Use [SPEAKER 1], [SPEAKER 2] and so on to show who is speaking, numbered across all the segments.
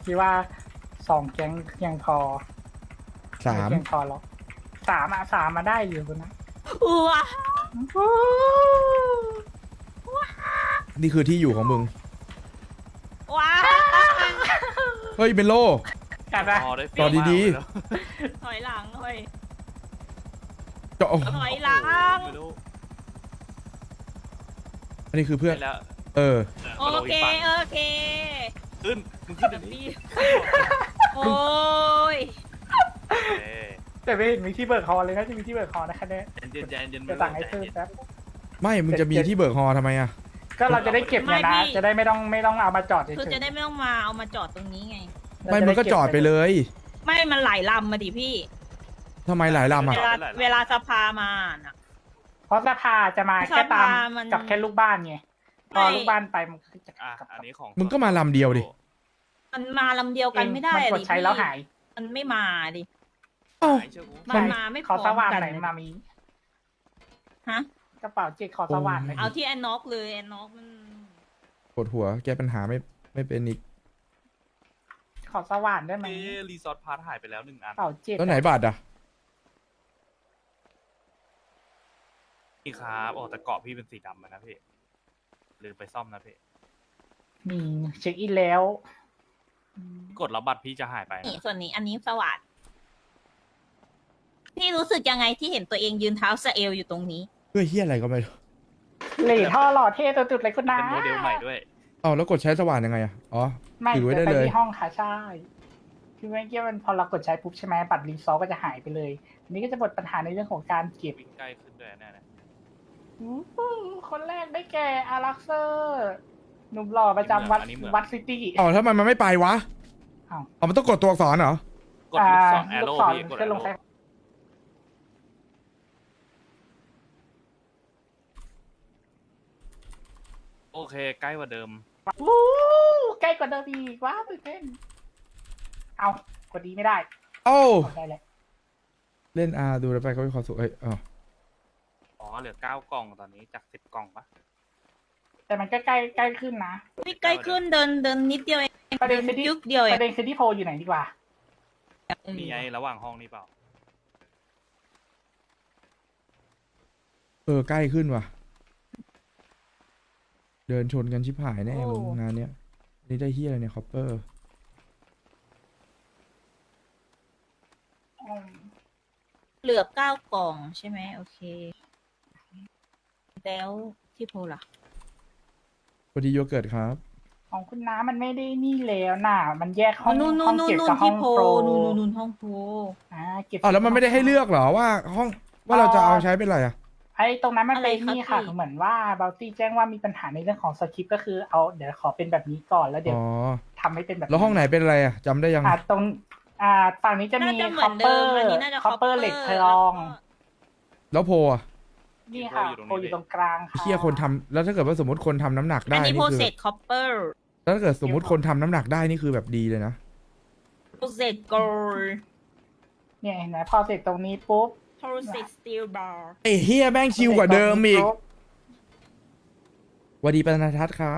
[SPEAKER 1] คิดว่า2 แก๊งยังพอ
[SPEAKER 2] 3
[SPEAKER 1] ไม่เพียงพอหรอก3มาได้อยู่นะ
[SPEAKER 3] ว้า
[SPEAKER 2] นี่คือที่อยู่ของมึง
[SPEAKER 3] ว้า
[SPEAKER 2] เฮ้ยเบนโล
[SPEAKER 1] กัดนะ
[SPEAKER 2] ต่อดี
[SPEAKER 3] ถอยหลังเฮ้ย
[SPEAKER 2] เจาะ
[SPEAKER 3] ถอยหลัง
[SPEAKER 4] ไม่รู้
[SPEAKER 2] อันนี้คือเพื่อน
[SPEAKER 4] ไปแล้ว
[SPEAKER 2] เออ
[SPEAKER 3] โอเคโอเค
[SPEAKER 4] ขึ้นมึงขึ้นเดี๋ยวนี้
[SPEAKER 3] โอ้ย
[SPEAKER 4] เอ้ย
[SPEAKER 1] แต่ไม่เห็นมีที่เบิกคอเลยนะจะมีที่เบิกคอนะคะเนี่ย
[SPEAKER 4] เย็นๆเย็นๆ
[SPEAKER 1] จะสั่งให้เพิ่มแป๊บ
[SPEAKER 2] ไม่มึงจะมีที่เบิกฮอทำไมอ่ะ
[SPEAKER 1] ก็เราจะได้เก็บเนี่ยนะ จะได้ไม่ต้องเอามาจอดเฉย
[SPEAKER 3] คือจะได้ไม่ต้องมาเอามาจอดตรงนี้ไง
[SPEAKER 1] ๆ
[SPEAKER 2] ไม่มึงก็จอดไปเลย
[SPEAKER 3] ไม่มันหลายลำมาดิพี่
[SPEAKER 2] ทำไมหลายลำอ่ะ
[SPEAKER 3] เวลาสภามาน่ะ
[SPEAKER 1] เพราะสภาจะมาแค่ตาม
[SPEAKER 3] สภามัน
[SPEAKER 1] กับแค่ลูกบ้านไงพอ
[SPEAKER 3] ไม่
[SPEAKER 1] ลูกบ้านไปมันก็จะ
[SPEAKER 4] อ่ะ
[SPEAKER 1] กลับ
[SPEAKER 4] อันนี้ของ
[SPEAKER 2] มึงก็มาลำเดียวดิ
[SPEAKER 3] มันมาลำเดียวกันไม่ได้
[SPEAKER 1] มันกด
[SPEAKER 3] ดิ
[SPEAKER 1] ใช้แล้วหาย
[SPEAKER 3] มันไม่มาดิ
[SPEAKER 2] เอ้า
[SPEAKER 4] หายเชื่อกู
[SPEAKER 3] มันมาไม่พร้
[SPEAKER 1] ข
[SPEAKER 3] อ
[SPEAKER 1] อ
[SPEAKER 3] ม
[SPEAKER 1] สว่าน
[SPEAKER 3] กัน
[SPEAKER 1] ไหน
[SPEAKER 3] เลย
[SPEAKER 1] มามี
[SPEAKER 3] ฮะ
[SPEAKER 1] กระเป๋าเจ็ดขอสว่านหน่อย
[SPEAKER 3] เอาที่แอนน็อกเลยแอนน็อกมัน
[SPEAKER 2] ปวดหัวแก้ปัญหาไม่เป็นอีก
[SPEAKER 1] ขอสว่านได้ไหม
[SPEAKER 4] เอ้รีสอร์ทพาร์ทหายไปแล้ว1 อัน
[SPEAKER 1] กระเป๋าเจ็ด
[SPEAKER 2] แล้วไหนบัตรอ่ะ
[SPEAKER 4] พี่ครับโอ้แต่เกาะพี่เป็นสีดำอะนะพี่ลืมไปซ่อมนะพี่
[SPEAKER 1] มีเช็คอินแล้ว
[SPEAKER 4] กดแล้วบัตรพี่จะหายไป
[SPEAKER 3] นี่
[SPEAKER 4] นะ
[SPEAKER 3] ส่วนนี้อันนี้สวัสดพี่รู้สึกยังไงที่เห็นตัวเองยืนเท้าสะเอลอยู่ตรงนี้
[SPEAKER 2] เพื่อเฮียอะไรก็ไม่รู้
[SPEAKER 1] เหล่ท่อหล่อเท่ตัวจุดเลยคุณนะ
[SPEAKER 4] เป็นโมเดลใหม่ด้วย
[SPEAKER 2] เอาแล้วกดใช้สว่านยังไงอ่ะ อ๋อ
[SPEAKER 1] ไม่
[SPEAKER 2] ถือไว้ได้
[SPEAKER 1] ไป
[SPEAKER 2] เลย
[SPEAKER 1] ที่ห้องค่ะใช่คือเมื่อกี้มันพอเรากดใช้ปุ๊บใช่ไหมบัตรรีซอสก็จะหายไปเลยอันนี้ก็จะหมดปัญหาในเรื่องของการเก็บ
[SPEAKER 4] วิ่งใกล้ขึ้นด้วยแน่นะ
[SPEAKER 1] คนแรกได้แก่อารักเซอร์หนุ่มหล่อประจำวัดซิตี้
[SPEAKER 2] อ๋อถ้ามันไม่ไปวะ
[SPEAKER 1] อ้าว
[SPEAKER 2] อ๋อมันต้องกดตัวอักษรเหรอ
[SPEAKER 4] กดลูกศรแอโร่พี่กดแอ
[SPEAKER 1] ขึ้นล
[SPEAKER 4] โร่
[SPEAKER 1] งใช้
[SPEAKER 4] โอเคใกล้กว่าเดิม
[SPEAKER 1] วู้ใกล้กว่าเดิมอีกว้าวตื่นเต้นเอากดดีไม่ได้
[SPEAKER 2] เอ้า
[SPEAKER 1] เอาได้เลย
[SPEAKER 2] เล่นดูแล้วไปก็มีความสุขเอ้ยอ๋อ
[SPEAKER 4] อ๋อเหลือ9 กล่องตอนนี้จาก10 กล่องปะ
[SPEAKER 1] แต่มันก็ใกล้ขึ้นนะ
[SPEAKER 3] พี่ใกล้ขึ้นเดินนิดเดียวเอง
[SPEAKER 1] ประเด็นคือที่
[SPEAKER 3] ยุกเดียวเอ
[SPEAKER 1] ป
[SPEAKER 3] ง
[SPEAKER 1] ระเด็นคือที่โพลอยู่ไหนดีกว่า
[SPEAKER 4] มีไอ้ระหว่างห้องนี่เปล่า
[SPEAKER 2] ใกล้ขึ้นว่ะ เดินชนกันชิบหายแน่มึงงานเนี้ยนี่ได้เฮียอะไรเนี่ยคอปเปอร์
[SPEAKER 3] เหลือ9 กล่องใช่ไหมโอเค แล้วที่โพลล่ะ
[SPEAKER 2] พอดีโยเกิร์ตครับ
[SPEAKER 1] ของคุณน้ามันไม่ได้นี่แล้วน่ะ มันแยกห้อง
[SPEAKER 3] นู่น
[SPEAKER 1] ห้องเก็บกับห้
[SPEAKER 3] ที่
[SPEAKER 1] อง
[SPEAKER 3] โพล
[SPEAKER 1] โปร
[SPEAKER 3] นู่นห้องโพล
[SPEAKER 1] เก็บ
[SPEAKER 2] อ๋อแล้วมันไม่ได้ให้เลือกเหรอว่าห้องว่าเราจะเอาใช้เป็นอะไรอ่ะ
[SPEAKER 1] ไอ้ตรงนั้นมันเป็น
[SPEAKER 3] อะไรครับ
[SPEAKER 1] นี่ค่ะ
[SPEAKER 3] พี่
[SPEAKER 1] เหมือนว่าเบลตี้แจ้งว่ามีปัญหาในเรื่องของสคริปต์ก็คือเอาเดี๋ยวขอเป็นแบบนี้ก่อนแล้วเดี๋ยว
[SPEAKER 2] อ๋อ
[SPEAKER 1] ทำให้เป็นแบบ
[SPEAKER 2] แล้วห้องไหนเป็นอะไรอ่ะจำได้ยัง
[SPEAKER 1] ตรงฝั่งนี้จะมี
[SPEAKER 3] น่าจะเห
[SPEAKER 1] ค
[SPEAKER 3] มื
[SPEAKER 1] อ
[SPEAKER 3] อน
[SPEAKER 1] ปเป
[SPEAKER 3] เดิ
[SPEAKER 1] อ
[SPEAKER 3] ม
[SPEAKER 1] ร์
[SPEAKER 3] อันนี้น่าจะ
[SPEAKER 1] คอปเปอร์เหล็กทอง
[SPEAKER 2] แล้วโพอ่ะ
[SPEAKER 1] นี่ค่ะโพลอยู่ตรงกลางค่ะ
[SPEAKER 2] เฮียคนทำแล้วถ้าเกิดว่าสมมติคนทำน้ำหนัก
[SPEAKER 3] อั
[SPEAKER 2] ได้
[SPEAKER 3] นนี้
[SPEAKER 2] นี่
[SPEAKER 3] โพ
[SPEAKER 2] คือ
[SPEAKER 3] เซตคอปเปอร์
[SPEAKER 2] แล้วถ้าเกิดสมมติคนทำน้ำหนักได้นี่คือแบบดีเลยนะ
[SPEAKER 3] โพเซตโกล
[SPEAKER 1] เนี่ยเห็นไหมพอเสร็จตรงนี้ปุ๊บ
[SPEAKER 3] โพเซตสตีลบาร์
[SPEAKER 2] ไอ้เฮียแม่งชิวกว่าเดิมอีกสวัสดีปนทัศน์ครับ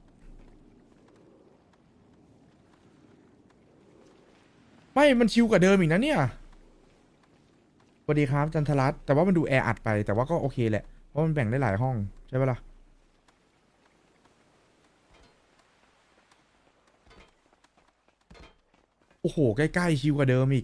[SPEAKER 2] ไม่มันชิวกว่าเดิมอีกนะเนี่ยสวัสดีครับจันทรัตน์แต่ว่ามันดูแออัดไปแต่ว่าก็โอเคแหละเพราะมันแบ่งได้หลายห้องใช่ปะล่ะโอ้โหใกล้ๆชิวกว่าเดิมอีก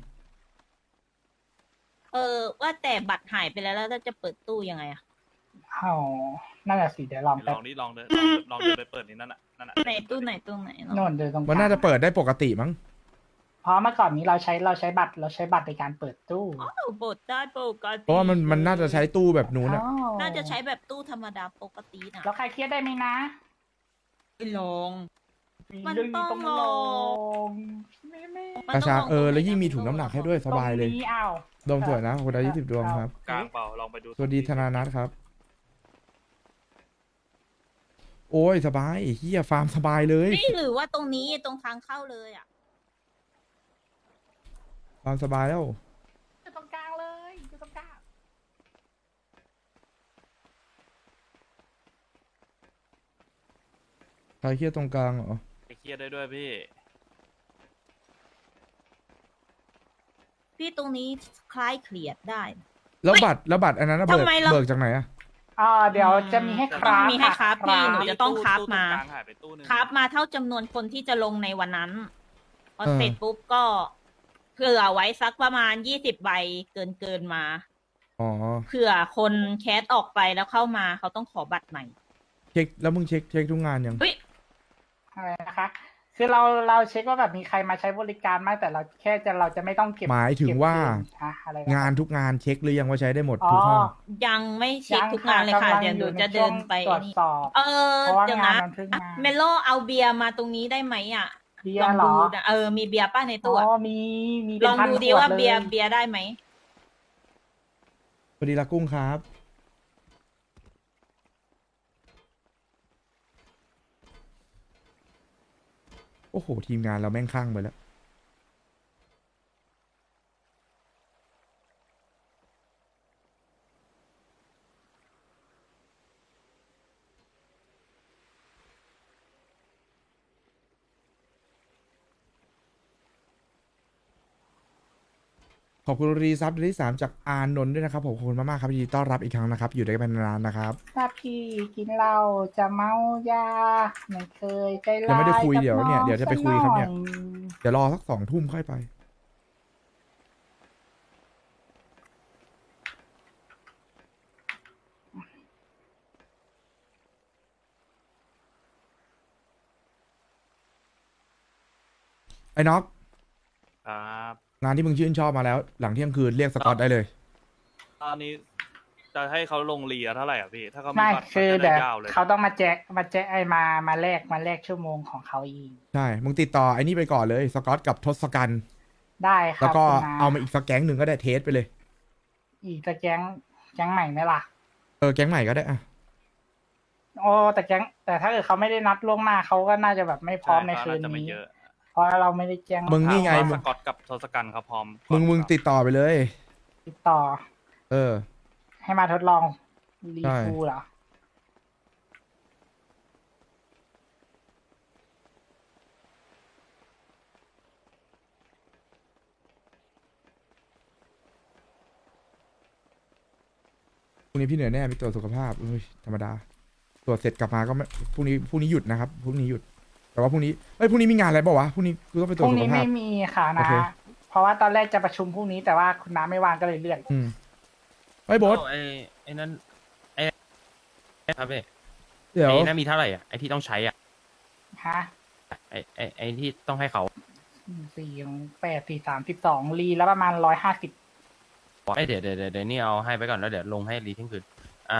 [SPEAKER 3] ว่าแต่บัตรหายไปแล้วแล้วเราจะเปิดตู้ยังไงอะ
[SPEAKER 1] อ๋อนั่นแหละสิเดี๋ยวลอง
[SPEAKER 4] ล
[SPEAKER 1] แป๊บ
[SPEAKER 4] องนี่ลองเดินลองเดินไปเปิดนี่นั่นน่ะ
[SPEAKER 3] ไหนตู้ไหนเนอะ
[SPEAKER 1] โน่นเดินตรงกลาง
[SPEAKER 2] มันน่าจะเปิดได้ปกติมั้ง
[SPEAKER 1] เพราะเมื่อก่อนนี้เราใช้บัตรในการเปิดตู้
[SPEAKER 3] อ้าวเปิดได้ปกติ
[SPEAKER 2] เพราะว่ามันน่าจะใช้ตู้แบบนู้นอะ
[SPEAKER 1] อ๋อ
[SPEAKER 3] น่าจะใช้แบบตู้ธรรมดาปกตินะ
[SPEAKER 1] แล้วใครเครียดได้ไหมนะ
[SPEAKER 3] ไม่ลอง มัน
[SPEAKER 1] เรื่อง
[SPEAKER 3] ต้อง
[SPEAKER 1] ต้อง
[SPEAKER 3] ล
[SPEAKER 1] ล
[SPEAKER 3] อง
[SPEAKER 1] งไม่
[SPEAKER 3] มัน
[SPEAKER 2] กระ
[SPEAKER 3] ต้อง
[SPEAKER 2] ชา
[SPEAKER 3] ลอง
[SPEAKER 2] แล้วยิ่งมีถุงน้ำหนักให้ด้วยสบายเลย
[SPEAKER 1] ตรงนี้อ้าว
[SPEAKER 2] ดวงสวยนะคนละ20 ดวงครับ
[SPEAKER 4] กลางเปล่าลองไปดู
[SPEAKER 2] สวัสดีธนานัทครับ โอ้ยสบายเฮียฟาร์มสบายเลย
[SPEAKER 3] นี่หรือว่าตรงนี้ตรงทางเข้าเลยอ่ะ
[SPEAKER 2] ฟาร์มสบายแล้ว
[SPEAKER 1] อยู่ตรงกลางเลยอยู่ตรงกลาง
[SPEAKER 2] ใครเครียดตรงกลางเหรอ
[SPEAKER 4] ไปเครียดได้ด้วยพี่
[SPEAKER 3] พี่ตรงนี้คล้ายเครียดได้
[SPEAKER 2] แล้วบัตรอันนั้นนะ
[SPEAKER 3] ทำไมเรา
[SPEAKER 2] เบิกจากไหนอะ
[SPEAKER 1] เดี๋ยวจะมีให้คราฟ
[SPEAKER 3] ต้องมีให้คราฟพี่
[SPEAKER 1] ะ
[SPEAKER 3] หนูจะต้องคราฟมา
[SPEAKER 4] ตู้ตรงกลางหายไปตู้หนึง
[SPEAKER 3] ครับมาเท่าจำนวนคนที่จะลงในวันนั้นพอ
[SPEAKER 2] เออ
[SPEAKER 3] เสร็จปุ๊บก็เผื่อไว้สักประมาณ20 ใบเกินมา
[SPEAKER 2] อ๋อ
[SPEAKER 3] เผื่อคนแคสออกไปแล้วเข้ามาเขาต้องขอบัตรใหม่
[SPEAKER 2] เช็คแล้วมึงเช็คทุกงานยัง
[SPEAKER 3] เฮ้ย
[SPEAKER 1] อะไรนะคะ คือเราเช็คว่าแบบมีใครมาใช้บริการไหมแต่เราเราจะไม่ต้องเก็บ
[SPEAKER 2] หมายถึงว่า
[SPEAKER 1] เก็บเงินอะไรนะ
[SPEAKER 2] งานทุกงานเช็คหรือยังว่าใช้ได้หมด
[SPEAKER 1] อ๋อ
[SPEAKER 2] ทุกห้อง
[SPEAKER 3] ยังไม่เช็คทุกงานเลยค่ะ
[SPEAKER 1] กำลัง
[SPEAKER 3] เดี๋ยวหนู
[SPEAKER 1] อยู่
[SPEAKER 3] จะ
[SPEAKER 1] ใน
[SPEAKER 3] เดินไป
[SPEAKER 1] ช่วงตรวจ
[SPEAKER 3] นี่
[SPEAKER 1] สอบ เพราะว่า
[SPEAKER 3] เดี๋ยว
[SPEAKER 1] งาน
[SPEAKER 3] นะ
[SPEAKER 1] มันเพิ่งมา
[SPEAKER 3] เมโลเอาเบียร์มาตรงนี้ได้ไหมอ่ะ
[SPEAKER 1] เบีย
[SPEAKER 3] ลอง
[SPEAKER 1] ร์เหร
[SPEAKER 3] ดู
[SPEAKER 1] อ
[SPEAKER 3] นะมีเบียร์ป้าใน
[SPEAKER 1] อ๋
[SPEAKER 3] ตู้
[SPEAKER 1] อ
[SPEAKER 3] อะ
[SPEAKER 1] มี
[SPEAKER 3] ลองดูดีว่าเบียร์ได้ไหม
[SPEAKER 2] สวัสดีละกุ้งครับ โอ้โห ทีมงานเราแม่งคลั่งไปแล้ว ขอบคุณรีซับเดือนที่ 3 จากอานนท์ด้วยนะครับผมขอบคุณมากๆครับยินดีต้อนรับอีกครั้งนะครับ อยู่ด้วยกันนานๆนะครับ
[SPEAKER 1] ถ้าพี่กินเหล้าจะเมายาไม่เคยใจร้าย
[SPEAKER 2] ยังไม่ได้คุย
[SPEAKER 1] กับ
[SPEAKER 2] เดี๋ยวเนี่ย
[SPEAKER 1] อง
[SPEAKER 2] เดี๋ยวจะไปคุยครับเนี่ย
[SPEAKER 1] สักหอ
[SPEAKER 2] เดี๋ยวรอสัก2 ทุ่มค่อยไป ไอ้น็อก
[SPEAKER 4] ครับ
[SPEAKER 2] งานที่มึงชื่นชอบมาแล้ว หลังเที่ยงคืนเรียกสกอตได้เลย
[SPEAKER 4] ตอนนี้จะให้เขาลงเรียเท่าไหร่อ่ะพี่ ถ้าเขามี
[SPEAKER 1] ไม่
[SPEAKER 4] บัตร
[SPEAKER 1] คือ
[SPEAKER 4] เขาจะ
[SPEAKER 1] เดี๋
[SPEAKER 4] ได้
[SPEAKER 1] ยวย
[SPEAKER 4] าวเลย
[SPEAKER 1] เขาต้องมาแจกไอ้มาแลกชั่วโมงของเขาเอง
[SPEAKER 2] ใช่ มึงติดต่อไอ้นี่ไปก่อนเลย สกอตกับทศกัณฐ์
[SPEAKER 1] ได้ค
[SPEAKER 2] แล้ว
[SPEAKER 1] รับ
[SPEAKER 2] ก็
[SPEAKER 1] คุณน้
[SPEAKER 2] เอามาอีกสักแก๊งหนึ่งก็ได้เทสไปเลย
[SPEAKER 1] อีกแต่แก๊งใหม่ไหมล่ะ
[SPEAKER 2] แก๊งใหม่ก็ได้อะ
[SPEAKER 1] โอ้แต่ถ้าเกิดเขาไม่ได้นัดล่วงหน้าเขาก็น่าจะแบบไม่พร้อมในคืน
[SPEAKER 4] จะไม่
[SPEAKER 1] นี้
[SPEAKER 4] เยอะ
[SPEAKER 1] เพราะเราไม่ได้แจ้ง
[SPEAKER 2] มึงนี่ไง
[SPEAKER 4] ถาว่าสกอตกับทศกัณฐ์เขาพร้อม
[SPEAKER 2] มึงติดต่อไปเลย
[SPEAKER 1] ติดต่อ
[SPEAKER 2] เออ
[SPEAKER 1] ให้มาทดลองรี
[SPEAKER 2] ใช่
[SPEAKER 1] ฟูเหรอ
[SPEAKER 2] พรุ่งนี้พี่เหนื่อยแน่ไปตรวจสุขภาพเฮ้ยธรรมดา ตรวจเสร็จกลับมาก็ไม่พรุ่งนี้หยุดนะครับพรุ่งนี้หยุด แต่ว่าพรุ่งนี้มีงานอะไรเปล่าวะพรุ่งนี้กูต้องไปต
[SPEAKER 1] พ
[SPEAKER 2] รวจ
[SPEAKER 1] รุ่ง
[SPEAKER 2] สุข
[SPEAKER 1] นี้
[SPEAKER 2] ภาพ
[SPEAKER 1] ไม่มีค่ะ
[SPEAKER 2] โอ
[SPEAKER 1] นะ
[SPEAKER 2] เค
[SPEAKER 1] เพราะว่าตอนแรกจะประชุมพรุ่งนี้แต่ว่าคุณน้าไม่ว่างก็เลยเลื่อน
[SPEAKER 2] อืมไอ้ยโบอส
[SPEAKER 5] ไอ้นั่นครับพี่
[SPEAKER 2] เดี๋ยว
[SPEAKER 5] ไอ้นั่นมีเท่าไหร่อ่ะไอ้ที่ต้องใช้อ่ะ
[SPEAKER 1] ฮะ
[SPEAKER 5] ไอ้ที่ต้องให้เขา
[SPEAKER 1] 4 8 4 3 12รีแล้วประมาณ150
[SPEAKER 5] ไอ้เดี๋ยวนี่เอาให้ไปก่อนแล้วเดี๋ยวลงให้รีเที่ยงคืน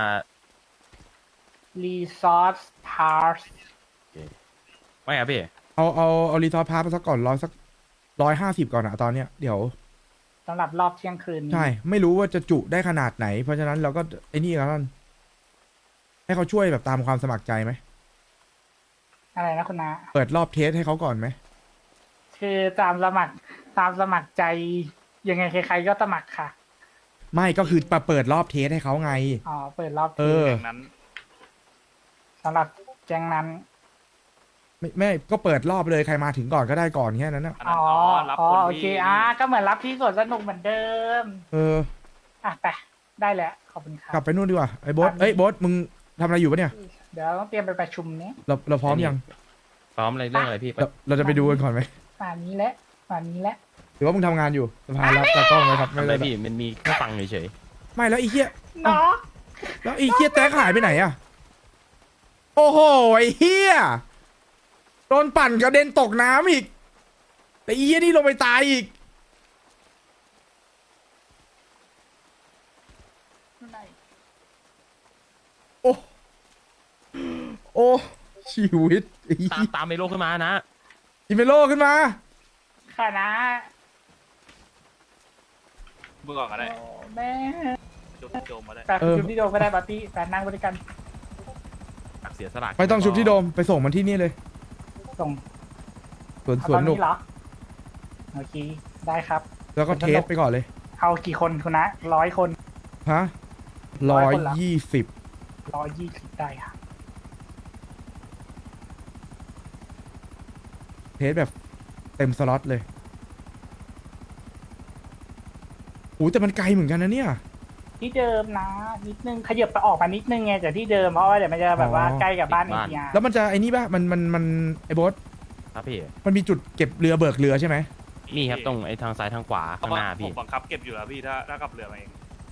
[SPEAKER 1] รีซอสพาร์ท
[SPEAKER 5] ไม่ครับพี่
[SPEAKER 2] เอารีทอร์พาไปสักก่อนสัก150ก่อนอะตอนเนี้ยเดี๋ยว
[SPEAKER 1] สำหรับรอบเที่ยงคืนนี้
[SPEAKER 2] ใช่ ไม่รู้ว่าจะจุได้ขนาดไหน เพราะฉะนั้นเราก็ไอ้นี่กันให้เขาช่วยแบบตามความสมัครใจไหม
[SPEAKER 1] อะไรนะคุณน้า
[SPEAKER 2] เปิดรอบเทสให้เขาก่อนไหม
[SPEAKER 1] คือตามสมัครใจยังไงใครๆก็สมัครค่ะ
[SPEAKER 2] ไม่ก็คือมาเปิดรอบเทสให้เขาไง
[SPEAKER 1] อ๋อเปิดรอบ
[SPEAKER 2] เออ
[SPEAKER 4] อย่างนั้น
[SPEAKER 1] สำหรับแจ้งนั้น
[SPEAKER 2] ไม่ก็เปิดรอบเลยใครมาถึงก่อนก็ได้ก่อนแค่นั้นนะ
[SPEAKER 4] อันนั้
[SPEAKER 1] อ๋
[SPEAKER 4] น
[SPEAKER 1] อ
[SPEAKER 4] รับ
[SPEAKER 1] อ๋อ
[SPEAKER 4] คน
[SPEAKER 1] โอ
[SPEAKER 4] ที่
[SPEAKER 1] เคก็เหมือนรับที่สวนสนุกเหมือนเดิม
[SPEAKER 2] เออ
[SPEAKER 1] ไปได้แล้วขอบคุณครั
[SPEAKER 2] กลั
[SPEAKER 1] บบ
[SPEAKER 2] ไปนู่นดีกว่าไอ้โบอสโบอสมึงทำอะไรอยู่ปะเนี่ย
[SPEAKER 1] เดี๋ยวต้องเตรียมไปประชุมนี้
[SPEAKER 2] เราพร้อมยัง
[SPEAKER 5] พร้อมอะไรเรื่องอะไรพี่
[SPEAKER 2] เราจะไปดูกันก่อนไหม
[SPEAKER 1] ป่านนี้แหละป่านนี้แหละ
[SPEAKER 2] หรือว่ามึงทำงานอยู่สภารับตากล้องไหมครับ
[SPEAKER 5] ทำ
[SPEAKER 2] ไม่
[SPEAKER 5] อะไร
[SPEAKER 2] ได้
[SPEAKER 5] พี่มันมีแค่ฟังเฉย
[SPEAKER 2] ไม่แล้วไอ้เหี้ย
[SPEAKER 1] เนาะ
[SPEAKER 2] แล้วไอ้เหี้ยแต๊กหายไปไหนอะโอ้โหไอ้เหี้ยโดนปั่นกระเด็นตกน้ำอีกแต่ไอ้เหี้ยนี่ลงไปตายอีก โอ้ โอ้ ชีวิตไอ้
[SPEAKER 5] ๆตาม
[SPEAKER 2] เหี้ย
[SPEAKER 5] ตามเมโลขึ้นมานะ
[SPEAKER 2] อิเมโลขึ้นมา
[SPEAKER 1] ค่ะนะ
[SPEAKER 4] มึงก่อนก็ได้
[SPEAKER 1] โอ้แม่
[SPEAKER 4] โจมมาได้
[SPEAKER 1] แต่
[SPEAKER 2] เออ
[SPEAKER 1] ชุดที่โดมก็ได้ปาร์ตี้แต่นั่งบริการ
[SPEAKER 5] เสียสละ
[SPEAKER 2] ไม่ต้องชุบที่โดมไปส่งมันที่นี่เลย
[SPEAKER 1] ส่ง
[SPEAKER 2] สวน
[SPEAKER 1] เอา
[SPEAKER 2] ส
[SPEAKER 1] ต
[SPEAKER 2] ว
[SPEAKER 1] อน น
[SPEAKER 2] หนุก
[SPEAKER 1] นี้เหรอโอเคได้ครับ
[SPEAKER 2] แล้วก็เทสไปก่อนเลย
[SPEAKER 1] เอากี่คนคุณนะ100 คน
[SPEAKER 2] ฮะ
[SPEAKER 1] ร้
[SPEAKER 2] ร้
[SPEAKER 1] อ
[SPEAKER 2] อย ย
[SPEAKER 1] คนเหรอ
[SPEAKER 2] 20
[SPEAKER 1] 120ได้ค่ะ
[SPEAKER 2] เทสแบบเต็มสล็อตเลยอ้แต่มันไกลเหมือนกันนะเนี่ย
[SPEAKER 1] ที่เดิมนะนิดนึงขยับไปออกมานิดนึงไงจากที่เดิมเพราะว่าเดี๋ยวมันจะแบบว่า
[SPEAKER 2] อ๋อ
[SPEAKER 1] ใกล้กับบ้าน
[SPEAKER 5] ติด
[SPEAKER 1] เอ
[SPEAKER 5] บ้าน
[SPEAKER 1] ทีอาร์
[SPEAKER 2] แล้วมันจะไอ้นี่ป่ะมันไอ้โบอส
[SPEAKER 5] ครับพี่
[SPEAKER 2] มันมีจุดเก็บเรือเบิกเรือใช่ไหม
[SPEAKER 5] มีครับตรงไอ้ทางซ้ายทางขวาข้างหน้า
[SPEAKER 4] ผ
[SPEAKER 5] พี่
[SPEAKER 4] มบังคับเก็บอยู่แล้วพี่ถ้ากลับเรือมาเอง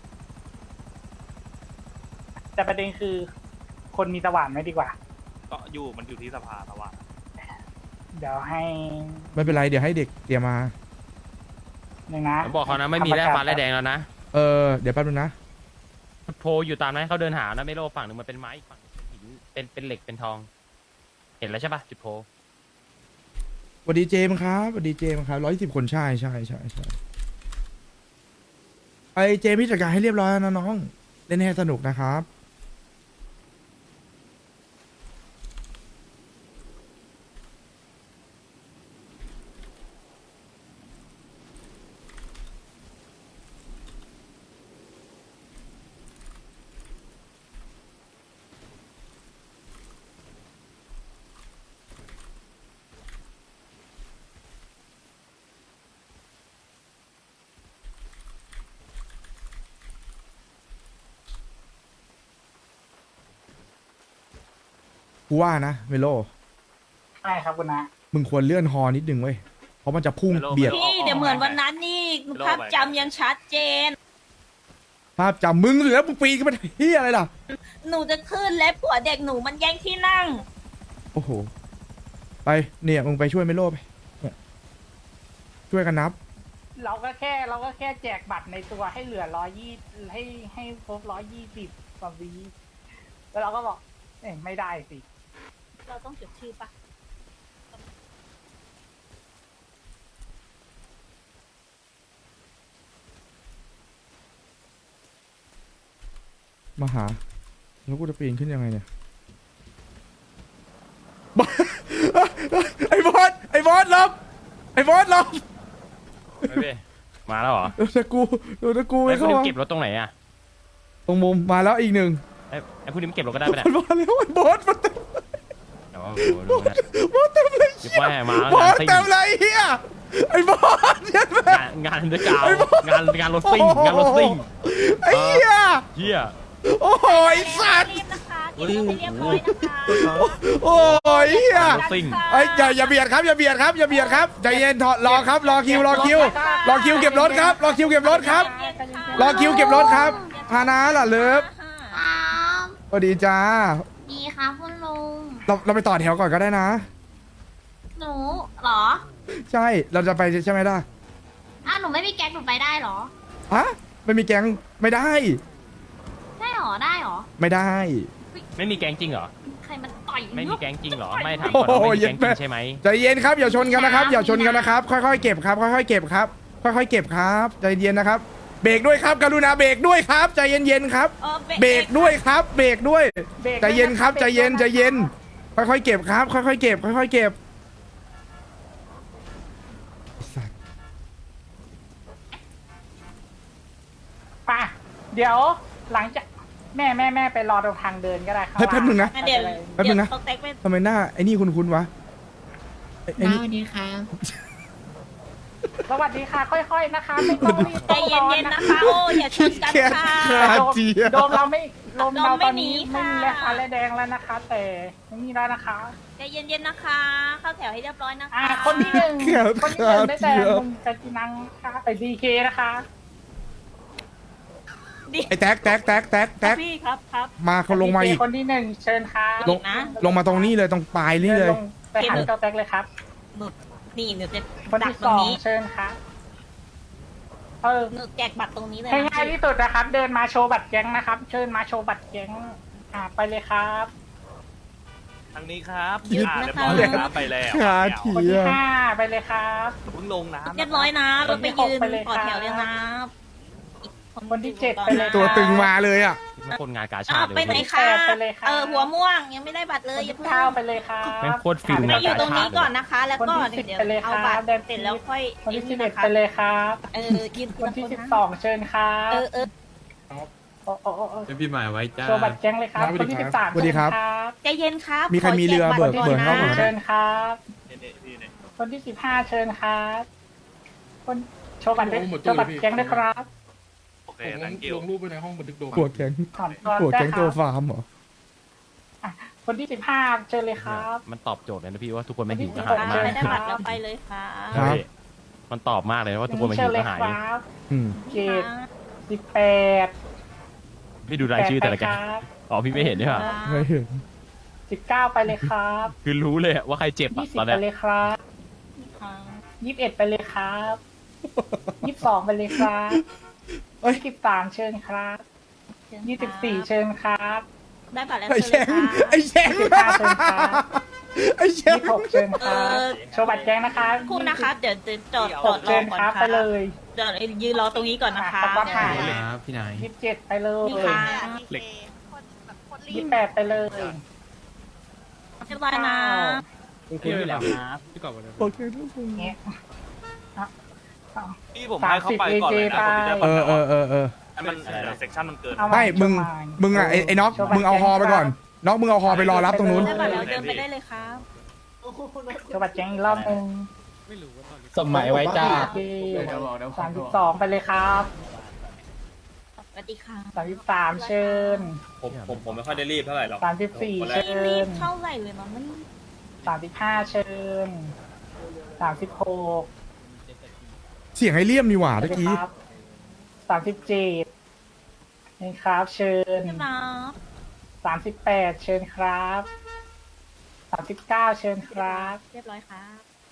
[SPEAKER 1] แต่ประเด็นคือคนมีสว่านไหมดีกว่า
[SPEAKER 4] ก็มันอยู่ที่สภาแต่ว่า
[SPEAKER 1] เดี๋ยวให้
[SPEAKER 2] ไม่เป็นไรเดี๋ยวให้เด็กเตรียมมา
[SPEAKER 1] หนึ่งนะ
[SPEAKER 5] ผมบอกเขานะไม่มีแร่ฟ้าแร่แดงแล้วนะ
[SPEAKER 2] เดี๋ยวแป๊บนึงนะ
[SPEAKER 5] โพอยู่ตามนั้นเขาเดินหานะไม่โลฝั่งหนึ่งมันเป็นไม้อีกฝั่งหนึ่งเป็นหินเป็นเหล็กเป็นทอง เห็นแล้วใช่ปะจุดโพ
[SPEAKER 2] สวัสดีเจมส์ครับสวัสดีเจมส์ครับ110 คนใช่ไอเจมส์พี่จัดการให้เรียบร้อยแล้วนะน้องเล่นให้สนุกนะครับ กูว่านะเมโล
[SPEAKER 1] ใช่ครับคุณนะ
[SPEAKER 2] มึงควรเลื่อนฮอนิดนึงเว้ยเพราะมันจะพุ่งเบียด
[SPEAKER 3] พี่เดี๋ยวเหมือนวันนั้นนี่ภาพจำยังชัดเจน
[SPEAKER 2] ภาพจำมึงเหลือมึงปีนขึ้นมาเฮียอะไรล่ะ
[SPEAKER 3] หนูจะขึ้นและผัวเด็กหนูมันแย่งที่นั่ง
[SPEAKER 2] โอ้โหไปเนี่ยมึงไปช่วยเมโลไปเนี่ยช่วยกันนับ
[SPEAKER 1] เราก็แค่แจกบัตรในตัวให้เหลือ120ให้ครบ120กว่าวีแล้วเราก็บอกไม่ได้สิ
[SPEAKER 3] เราต้องจดชื่อปะ
[SPEAKER 2] มาหาแล้วกูจะปีนขึ้นยังไงเนี่ย ไอ้บอสลบไอ้บอสลบ
[SPEAKER 5] ไม่พี่มาแล้วเหรอ
[SPEAKER 2] โดนตะกู
[SPEAKER 5] ไอ้
[SPEAKER 2] ไม่
[SPEAKER 5] พว
[SPEAKER 2] เข้าก
[SPEAKER 5] นี้
[SPEAKER 2] มา
[SPEAKER 5] เก็บรถตรงไหนอ่ะ
[SPEAKER 2] ตรงมุมมาแล้วอีกหนึ่ง
[SPEAKER 5] ไอ้พวกนี้มันเก็บรถก็ได้ไปะเนี่ย
[SPEAKER 2] มันมาแล้วไอ้บอสมันเต็ม
[SPEAKER 5] เดี๋ยวผมดูนะ
[SPEAKER 2] บอสเต็มเลย
[SPEAKER 5] ยิบว่ามา
[SPEAKER 2] บอ
[SPEAKER 5] งาน
[SPEAKER 2] ส
[SPEAKER 5] ซิ่ง
[SPEAKER 2] เต็มเลยเฮียไอ้บอสเยันแม่
[SPEAKER 5] งานเดอะกาวงานรถซิ่งงานรถซิ่ง
[SPEAKER 2] ไอ้เฮีย
[SPEAKER 5] เฮีย
[SPEAKER 2] โอ้โหไอ้สัตว์
[SPEAKER 3] รีบนะคะเก็บรถให้เรียบร้อยนะคะ
[SPEAKER 2] โอ้ยเฮีย
[SPEAKER 5] รถซิ่ง
[SPEAKER 2] ไอ้ยอย่าเบียดครับอย่าเบียดครับใจเย็นถอดรอครับรอคิวเก็บรถครับรอคิวเก็บรถครับรอคิวเก็บรถครับพานะล่ะเลิฟ
[SPEAKER 6] ครับ
[SPEAKER 2] สวัสดีจ้า
[SPEAKER 6] ดีครับคุณลุง
[SPEAKER 2] เราไปต่อแถวก่อนก็ได้นะ
[SPEAKER 6] หนูเหรอ
[SPEAKER 2] ใช่เราจะไปใช่ไหมล่ะ
[SPEAKER 6] อ้าวหนูไม่มีแก๊งหนูไปได้เหรอ
[SPEAKER 2] ฮะไม่มีแก๊งไม่ได้
[SPEAKER 6] ใช่เหรอ ได้เหรอ
[SPEAKER 2] ไม่ได้
[SPEAKER 5] ไม่มีแก๊งจริงเหรอ
[SPEAKER 6] ใครมันต่อย
[SPEAKER 5] ไม่มี
[SPEAKER 6] เนอะ
[SPEAKER 5] แก๊งจริงเหรอ ไม่ถามก่อนว่าไม่มีแก๊งจริงใช่ไหม
[SPEAKER 2] ใจเย็นครับอย่าชนกันนะครับอย่าชนกันนะครับค่อยๆเก็บครับค่อยๆเก็บครับค่อยๆเก็บครับใจเย็นนะครับเบรกด้วยครับกรุณาเบรกด้วยครับใจเย็นๆครับ เบรกด้วยครับเบรกด้วยใจเย็นครับใจเย็นค่อยๆเก็บครับค่อยๆเก็บค่อยๆเก็บไอ้สัตว์
[SPEAKER 1] ป่ะเดี๋ยวหลังจากแม่ไปรอตรงทางเดินก็ได้ครับ
[SPEAKER 2] เฮ้ยแป๊บนึงนะ
[SPEAKER 3] งั้นเดี๋ยว
[SPEAKER 2] แป๊บนึงนะ
[SPEAKER 3] เขาแตกไป
[SPEAKER 2] ทำไมหน้าไอ้นี่คุ้นๆวะไอ้นี่
[SPEAKER 6] สวัสดีครับ
[SPEAKER 1] สวัสดีค่ะ ค่อยๆนะคะไม่ต้องรีบ
[SPEAKER 3] ใจเย็นๆนะคะโอ้อย่าชนกันค่ะ
[SPEAKER 1] โดมเราไม่โดมเราตอนนี้
[SPEAKER 3] โดมไม่
[SPEAKER 1] ไม่
[SPEAKER 3] หนี
[SPEAKER 1] มี
[SPEAKER 3] ค่ะ
[SPEAKER 1] แร่ฟ้าแร่แดงแล้วนะคะ แต่ไม่มีแล้วนะคะ
[SPEAKER 3] ใจเย็นๆนะคะ เข้าแถวให้เรียบร้อยนะคะ
[SPEAKER 1] คนที่หนึ่งได้แต่ลุงกาจินังค่ะไปดีเคนะคะ
[SPEAKER 2] ไอ้แท็ก
[SPEAKER 3] พี่ครับ
[SPEAKER 2] มาเขาลงมาอีก
[SPEAKER 1] คนที่หนึ่งเชิญค่ะ
[SPEAKER 2] ลง
[SPEAKER 3] นะ
[SPEAKER 2] ลงมาตรงนี้เลยตรงปลายนี่เลย
[SPEAKER 1] ลงไปหาเจ้าแท็กเลยครับ
[SPEAKER 3] หนูนี่หนูจะ
[SPEAKER 1] คน
[SPEAKER 3] ดัก
[SPEAKER 1] ที่
[SPEAKER 3] ตร
[SPEAKER 1] ส
[SPEAKER 3] ง
[SPEAKER 1] อง
[SPEAKER 3] นี้
[SPEAKER 1] เชิญค่ะเออ
[SPEAKER 3] หนูแจกบัตรตรงนี้เลย
[SPEAKER 1] ให้
[SPEAKER 3] นะ
[SPEAKER 1] ง่ายที่สุดนะครับ เดินมาโชว์บัตรแก๊งนะครับ เชิญมาโชว์บัตรแก๊งไปเลยครับ
[SPEAKER 4] ทางนี้ครับ
[SPEAKER 3] หยุด
[SPEAKER 4] เรี
[SPEAKER 3] นะ
[SPEAKER 4] ยบ
[SPEAKER 3] คะ
[SPEAKER 4] ร้อยเลยครับไปแล้ว
[SPEAKER 2] หา
[SPEAKER 4] ไม่
[SPEAKER 2] ที
[SPEAKER 1] คนที่ห้าไปเลยครับ
[SPEAKER 4] เอาเพิ่งลงน้ำ
[SPEAKER 3] เรียบร้อยนะเราไปยืนต่อแถวเลยนะ
[SPEAKER 1] คนที่เจ็ดไปเลย
[SPEAKER 2] ตัวตึงมาเลยอ่ะ
[SPEAKER 5] มันคนงานกาชา
[SPEAKER 3] อ้าว
[SPEAKER 5] ติเลย
[SPEAKER 3] ไปไหน
[SPEAKER 5] พี่
[SPEAKER 3] คะ
[SPEAKER 1] ไปเลยค่ะ
[SPEAKER 3] หัวม่วงยังไม่ได้บัตรเลยอย่า
[SPEAKER 1] คน
[SPEAKER 3] เพิ่ง
[SPEAKER 1] ที่เก้าไปเลยครับ
[SPEAKER 5] แม่งโคตรฟิล
[SPEAKER 3] ไป
[SPEAKER 5] งาน
[SPEAKER 3] อยู่
[SPEAKER 5] กา
[SPEAKER 3] ตรง
[SPEAKER 5] ชา
[SPEAKER 3] นี้
[SPEAKER 5] ติ
[SPEAKER 3] ก่อนนะคะ แล้วก็
[SPEAKER 1] คนที่
[SPEAKER 3] เดี๋ยว
[SPEAKER 1] 10ไปเลย
[SPEAKER 3] เอา
[SPEAKER 1] ครับ
[SPEAKER 3] บัตร
[SPEAKER 1] เดิน
[SPEAKER 3] เสร็จแล้วค่อย
[SPEAKER 1] คนที่
[SPEAKER 3] ไอ้
[SPEAKER 1] สิบ
[SPEAKER 3] นี่
[SPEAKER 1] เอ็ด
[SPEAKER 3] นะคะ
[SPEAKER 1] ไปเลยครับ
[SPEAKER 3] ยืน
[SPEAKER 1] คนที่12เชิญครับ
[SPEAKER 3] เออ
[SPEAKER 1] โอ้
[SPEAKER 7] เป็นพี่หมายไว้จ้า
[SPEAKER 1] โชว์บัตรแก๊งเลยครับ คนที่13
[SPEAKER 2] สวัสดีครับ
[SPEAKER 3] ใจเย็นครับ
[SPEAKER 2] มีใครมีเรือ
[SPEAKER 3] ข
[SPEAKER 2] เบิก
[SPEAKER 3] แจ
[SPEAKER 2] เบิก
[SPEAKER 3] บั
[SPEAKER 2] เข้า
[SPEAKER 3] ตร
[SPEAKER 2] ก่
[SPEAKER 3] ก่
[SPEAKER 2] อ
[SPEAKER 3] อน น
[SPEAKER 2] นะ
[SPEAKER 3] นะ
[SPEAKER 1] เชิญครับ
[SPEAKER 4] เนี่ยพี่เนี่ย
[SPEAKER 1] คนที่15เชิญครับคนโชว์บัตรด้วยโชว์บัตรแก๊งด้วยครับ
[SPEAKER 4] thank you
[SPEAKER 7] ลงรูปไปในห้องบันทึกโด
[SPEAKER 2] หัวแก๊ง
[SPEAKER 1] ถอนตัว
[SPEAKER 2] หัว
[SPEAKER 1] ได้
[SPEAKER 2] แก๊ง
[SPEAKER 1] ค
[SPEAKER 2] ตัว
[SPEAKER 1] รับ
[SPEAKER 2] ฟาร์มเหรอ
[SPEAKER 1] คนที่15เชิญเลยครับ
[SPEAKER 5] มันตอบโจทย์เลยนะพี่ว่าทุกคนไม่หิวกระ
[SPEAKER 1] ครั
[SPEAKER 5] หาย
[SPEAKER 1] บ
[SPEAKER 5] มาก
[SPEAKER 3] ไม่ได้บัตรเราไปเลยค่ะ
[SPEAKER 2] ครับ
[SPEAKER 5] พี่มันตอบมากเลยว่าทุกคนไม่
[SPEAKER 1] เชิ
[SPEAKER 5] หิ
[SPEAKER 1] ญ
[SPEAKER 5] ว
[SPEAKER 1] เล
[SPEAKER 5] ก
[SPEAKER 1] ย
[SPEAKER 5] ระหาย
[SPEAKER 1] ครับ
[SPEAKER 2] อืม
[SPEAKER 1] เจ็ด18
[SPEAKER 5] พี่ดูรายชื่อแต่ละแกงอ๋อพี่ไม่เห็นด้วยเหรอ
[SPEAKER 2] ไม่เห็น
[SPEAKER 1] 19ไปเลยครับ
[SPEAKER 5] คือรู้เลยอะว่าใครเจ็บอะตอน
[SPEAKER 1] 20
[SPEAKER 5] เนี้
[SPEAKER 1] ไป
[SPEAKER 5] ย
[SPEAKER 1] เลยครับ21ไปเลยครับ22ไปเลยครับ
[SPEAKER 2] เอ้ย
[SPEAKER 1] 23เชิญครับ24เชิญครับ
[SPEAKER 3] ได้บัตรแล้ว
[SPEAKER 2] ไอ้
[SPEAKER 3] เชิ
[SPEAKER 2] แช
[SPEAKER 3] ญ
[SPEAKER 2] ง
[SPEAKER 3] เลยค่ะ
[SPEAKER 2] ไอ้แชง
[SPEAKER 1] 25เชิญครับ
[SPEAKER 2] ไอ้แชง
[SPEAKER 1] 26เชิญค
[SPEAKER 3] เอ
[SPEAKER 1] รับ
[SPEAKER 3] อ
[SPEAKER 1] โชว์บัตรแจ้งนะคะ
[SPEAKER 3] พูดนะคะ เดี๋ยวจะจอดร
[SPEAKER 1] 6
[SPEAKER 3] อ
[SPEAKER 1] เชิญ
[SPEAKER 3] ก่อน
[SPEAKER 1] ครับ
[SPEAKER 3] ค่ะ
[SPEAKER 1] ไปเลย
[SPEAKER 3] เดี๋ยวยืนรอตรงนี้ก่อนนะคะ
[SPEAKER 1] อ่ะครับ
[SPEAKER 7] ครับพี่นาย
[SPEAKER 1] 27ไปเลย
[SPEAKER 3] นี่ค่ะ
[SPEAKER 1] 28ไปเลย
[SPEAKER 3] เรียบร้อยนะ
[SPEAKER 7] พี่อยู่แล้วครับพี่กอบวันนี้
[SPEAKER 2] โอเคทุกคน
[SPEAKER 1] เงี้ยอ่ะอ่ะ
[SPEAKER 4] พี่ผมให้เขาไปก่อนเลยนะผมจะได้
[SPEAKER 2] เออเออ
[SPEAKER 4] ให้มันเซ็กชันมันเกิน
[SPEAKER 1] เอาา
[SPEAKER 2] ไม่มึง
[SPEAKER 1] โชว์า
[SPEAKER 2] มึงอ่ะไอ้น็อกมึงเอาฮอไปก่อนน็อกมึงเอาฮอไปรอรับตรงนู้น
[SPEAKER 3] ได้บัตรแล้วเดินไปได้เลยครับ
[SPEAKER 1] โชว์บัตรแจ้งอีกรอบหนึง
[SPEAKER 7] สมัยไว้จ้า
[SPEAKER 1] โอเค32ไปเลยครับ
[SPEAKER 3] สวัสดีค่ะ
[SPEAKER 1] 33เชิญ
[SPEAKER 4] ผมไม่ค่อยได้รีบเท่าไหร่หรอก
[SPEAKER 1] 34
[SPEAKER 3] ไม่
[SPEAKER 1] เชิ
[SPEAKER 3] รี
[SPEAKER 1] ญ
[SPEAKER 3] บเท่าไหร่เลยมันไม่
[SPEAKER 1] 35เชิญ36
[SPEAKER 2] เสียงไอ้เลี่ยมมีหว่าเมื่อกี้
[SPEAKER 1] ครับ37นี่ครับเชิญ
[SPEAKER 3] ใช่ไหม
[SPEAKER 1] 38เชิญครับ39เชิญครับ
[SPEAKER 3] เรียบร้อยครับ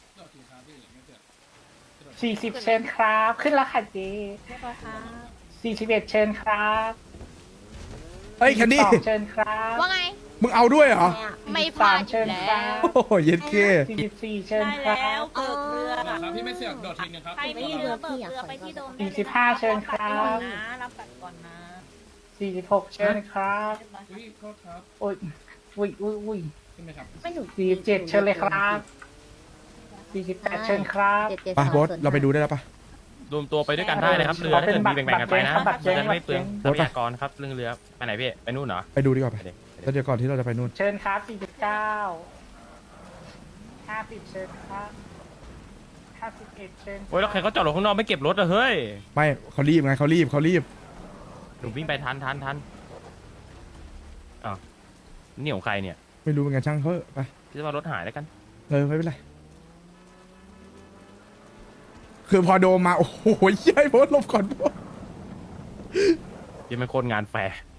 [SPEAKER 1] 40เชิญครับ ขึ้นแล้วค่ะเจ
[SPEAKER 3] เรียบร้อยครับ
[SPEAKER 1] 41เชิญครับ
[SPEAKER 2] เฮ้ยแคนดี้
[SPEAKER 1] 42เชิญครับ
[SPEAKER 6] ว่าไง
[SPEAKER 2] มึงเอาด้วยเหรอ
[SPEAKER 6] ไม่พลาดอ
[SPEAKER 1] เชิ
[SPEAKER 6] ยู่
[SPEAKER 1] ญ
[SPEAKER 6] แล้
[SPEAKER 1] ครั
[SPEAKER 6] ว
[SPEAKER 1] บ
[SPEAKER 2] โอ้โหเย็ดเค
[SPEAKER 1] 44เชิญ
[SPEAKER 3] ได้
[SPEAKER 1] ครั
[SPEAKER 3] แล้ว
[SPEAKER 1] บ
[SPEAKER 3] เบิกเรือ
[SPEAKER 7] ครับพี่ไม่เสียกโดดทีนึงครับ
[SPEAKER 3] ใครไม่มีเรือเบิกเรือไปที่โดมได้เลย
[SPEAKER 1] 45เชิญครับ
[SPEAKER 3] รับบัตรก่อนนะ
[SPEAKER 1] 46เชิญครับ
[SPEAKER 3] เรียบร้อยครับ
[SPEAKER 7] อุ้ยโทษครับ
[SPEAKER 1] โอ้ยอุ้ย
[SPEAKER 7] ขึ้นไหมครับ
[SPEAKER 6] ไม่หนู
[SPEAKER 1] 47เชิญเลยครับ48เชิญครับ
[SPEAKER 2] ไปโบอสเราไปดูได้แล้วปะ
[SPEAKER 5] รวมตัวไปด้วยกันได้นะครับเรือถ้าเกิดมีแบ่งๆกันไปนะจะได้ไม่เปลืองทรัพยากรครับเรื่องเรือไปไหนพี่ไปนู่นเหรอ
[SPEAKER 2] ไปดูดีกว่าไป
[SPEAKER 5] ไปดิ
[SPEAKER 2] แล้วเดี๋ยวก่อนที่เราจะไปนู่น
[SPEAKER 1] เชิญครับ49 50เชิญครับ51เชิญ
[SPEAKER 5] โอ้ยแล้วใครเขาจอดรถข้างนอกไม่เก็บรถอะเฮ้ย
[SPEAKER 2] ไม่เขารีบไงเขารีบ
[SPEAKER 5] หนูวิ่งไปทันอ้าวนี่ของใครเนี่ย
[SPEAKER 2] ไม่รู้เป็นไงช่างเขาเถอะไป
[SPEAKER 5] พี่จะว่ารถหายแล้วกัน
[SPEAKER 2] ไม่เป็นไรคือพอโดมมาโอ้โหเย้ยโบอสหลบก่อนโบอส
[SPEAKER 5] ยังเป็นคนงานแฟร์